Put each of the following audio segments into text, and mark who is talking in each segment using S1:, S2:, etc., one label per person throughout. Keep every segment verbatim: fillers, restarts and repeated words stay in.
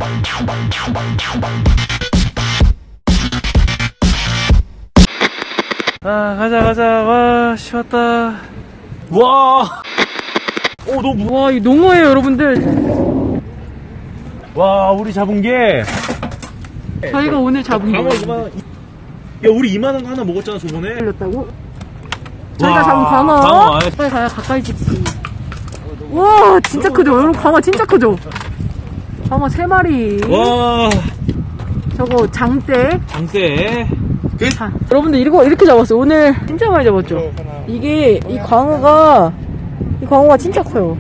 S1: 아, 가자, 가자. 와, 쉬웠다. 와! 오, 너무, 와, 이 농어예요, 여러분들. 와, 우리 잡은 게.
S2: 저희가 오늘 잡은 거.
S1: 야, 우리 이만한 거 하나 먹었잖아, 저번에.
S2: 걸렸다고? 저희가 잡은 광어.
S1: 광어.
S2: 빨리 가야 가까이 찍지. 와, 진짜 크죠? 여러분, 광어 진짜 크죠? 광어 세 마리.
S1: 와.
S2: 저거 장대.
S1: 장대.
S2: 자, 여러분들 이거 이렇게 잡았어요. 오늘 진짜 많이 잡았죠? 이게, 이 광어가, 이 광어가 진짜 커요.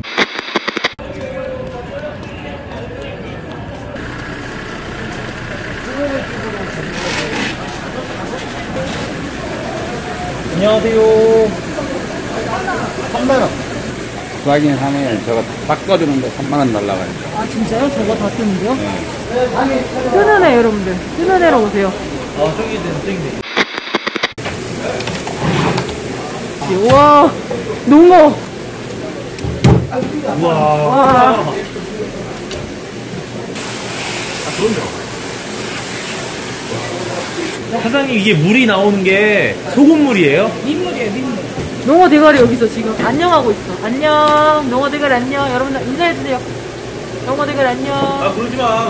S1: 안녕하세요.
S3: 삼만 원. 구하긴 하면 저거 바꿔주는데 삼만 원 날라가요.
S2: 아, 진짜요? 저거 다 뜨는데요? 네. 뜨는 애, 여러분들. 뜨는 애로 오세요.
S1: 아, 저기 있네, 저기 있네.
S2: 우와, 농어.
S1: 우와.
S2: 와.
S1: 아, 그럼요. 사장님, 이게 물이 나오는 게 소금물이에요?
S2: 민물이에요, 민물. 농어 대가리 여기서 지금 안녕하고 있어. 안녕. 농어 대가리 안녕. 여러분들 인사해주세요. 농어 대가리 안녕.
S1: 아, 그러지 마.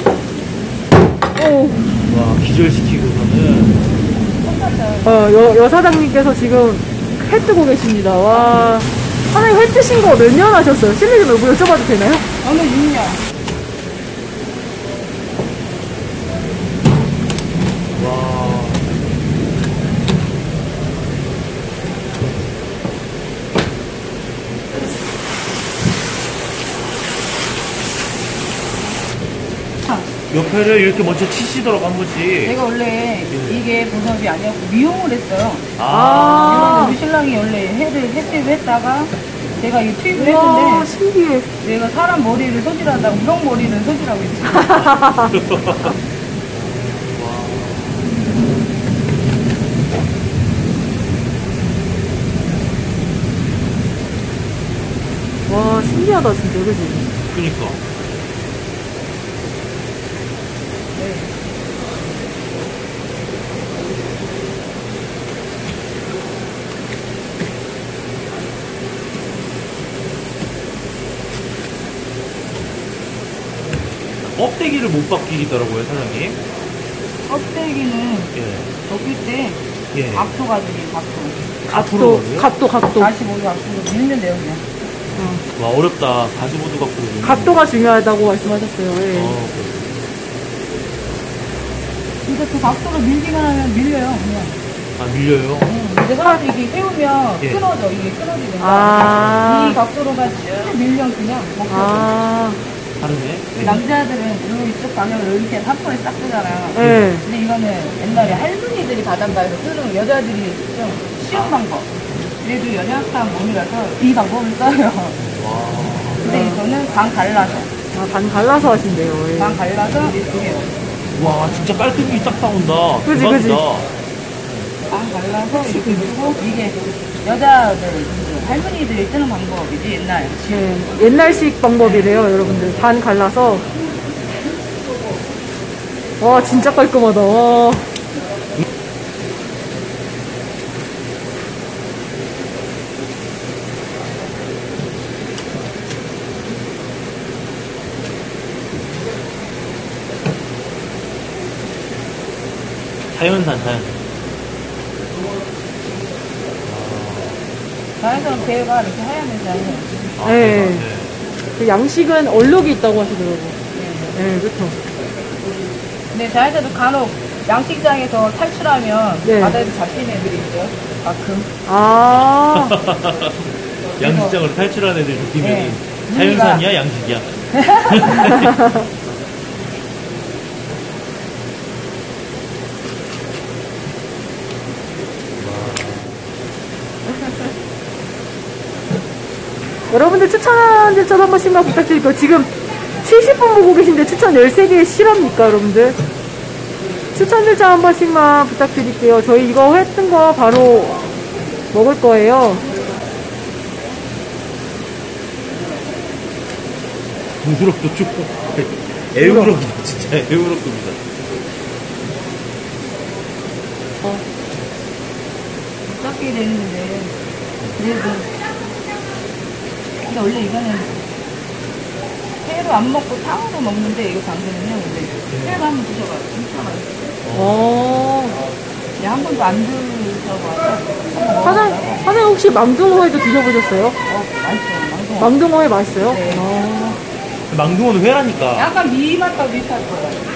S2: 오.
S1: 와, 기절시키고서는.
S2: 어, 여, 여 사장님께서 지금 회 뜨고 계십니다. 와. 사장님 회 뜨신 거 몇 년 하셨어요? 실례 좀 여쭤봐도 되나요?
S4: 저는 육 년.
S1: 와. 옆에를 이렇게 먼저 치시도록 한 번씩.
S4: 내가 원래
S1: 예.
S4: 이게 본업이 아니었고 미용을 했어요.
S1: 아.
S4: 이거는 우리 신랑이 원래 해를 햇빛을 했다가 제가 이 투입을
S2: 와,
S4: 했는데
S2: 신기해.
S4: 내가 사람 머리를 소질한다고 우렁 머리는 소질하고 있어.
S2: 와, 신기하다, 진짜. 그지?
S1: 그니까. 껍데기를 못 벗기더라고요, 사장님.
S4: 껍데기는
S1: 예.
S4: 벗길 때
S1: 예.
S4: 각도 가지고 각도.
S2: 각도, 각도, 각도.
S4: 사십오 도 각도로 밀면 돼요 그냥.
S2: 어.
S1: 와, 어렵다. 가지고도 갖고.
S2: 각도가 중요하다고 말씀하셨어요. 예.
S1: 어,
S4: 근데 그 각도로 밀기만 하면 밀려요 그냥.
S1: 아, 밀려요?
S4: 응. 근데 사람들이 이게 세우면
S1: 예.
S4: 끊어져. 이게 끊어지는 거야.
S2: 아.
S4: 이 각도로가 쭉 밀면 그냥 먹혀져.
S2: 아.
S1: 다르네.
S4: 그 남자들은 요 이쪽 방향으로 이렇게 한 번에 딱 뜨잖아요.
S2: 예.
S4: 근데 이거는 옛날에 할머니들이 바닷가에서 쓰는 여자들이 좀 쉬운 방법. 그래도 연약한 몸이라서 이 방법을 써요.
S1: 와.
S4: 근데 이거는 반 갈라서.
S2: 아, 반 갈라서 하신대요. 예.
S4: 반 갈라서 이렇게.
S1: 와, 진짜 깔끔히 딱 나온다.
S2: 그지,
S1: 대박이다.
S4: 반 갈라서 이렇게 밀고 이게 여자들, 할머니들이 쓰는 방법이지 옛날.
S2: 네, 옛날식 방법이래요, 여러분들. 반 갈라서. 와, 진짜 깔끔하다. 와.
S1: 자연산, 자연산.
S4: 자연스러운 배가 이렇게 하얀면서
S1: 아,
S2: 네.
S1: 네.
S2: 그 양식은 얼룩이 있다고 하시더라고요. 네, 그쵸.
S4: 근데 자연스도 간혹 양식장에서 탈출하면
S2: 네.
S4: 바다에서 잡히는 애들이 있어요. 가끔.
S2: 아.
S1: 양식장으로 탈출한 애들 느끼면
S4: 네.
S1: 자연산이야, 양식이야?
S2: 여러분들 추천 절차 한 번씩만 부탁드릴게요. 지금 칠십 분 보고 계신데 추천 열세 개 실합니까, 여러분들? 추천 절차 한 번씩만 부탁드릴게요. 저희 이거 했던 거 바로 먹을 거예요.
S1: 부드럽고 쭉. 에우로입니다. 진짜 에우로급이다.
S2: 어.
S4: 깎게 되는데 그래도 근데 원래 이거는 회로 안 먹고 탕으로 먹는데 이거 당근은요 근데 회로 한번 드셔봐요. 진짜 맛있어요.
S2: 어.
S4: 네, 한 번도 안 드셔봐서
S2: 사장, 사장님 혹시 망둥어회도 드셔보셨어요?
S4: 어, 맛있어요. 망둥어.
S2: 망둥어회 맛있어요?
S4: 네.
S2: 어.
S1: 망둥어는 회라니까.
S4: 약간 미 맛과 비슷할 거예요.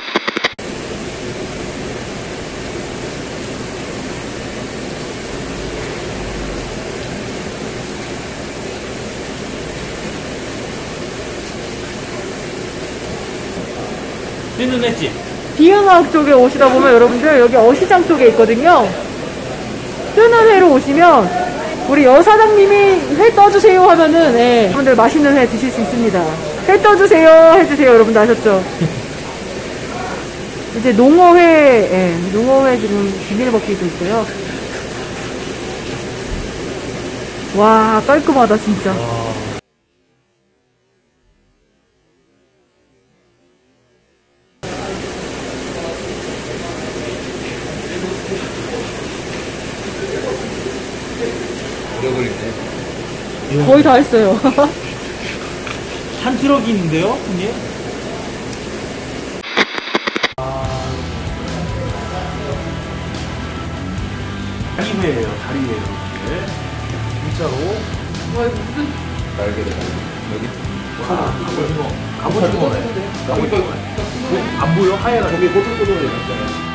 S1: 뛰는 횟집.
S2: 비흥학 쪽에 오시다 보면 여러분들 여기 어시장 쪽에 있거든요. 뜨는 회로 오시면 우리 여사장님이 회 떠주세요 하면은 예, 여러분들 맛있는 회 드실 수 있습니다. 회 떠주세요 해주세요. 여러분들 아셨죠? 이제 농어회, 예, 농어회 지금 비닐버킷도 있고요. 와 깔끔하다 진짜.
S1: 와.
S3: 오래 걸리네.
S2: 거의 다 했어요.
S1: 한 트럭이 있는데요, 형님? 다리회예요, 다리회 여러분들. 진짜로.
S3: 날개를 여기.
S1: 와, 갑오징어. 갑오징어네. 갑오징어. 안 보여? 하얘가지고.
S3: 저기 꼬들꼬들해.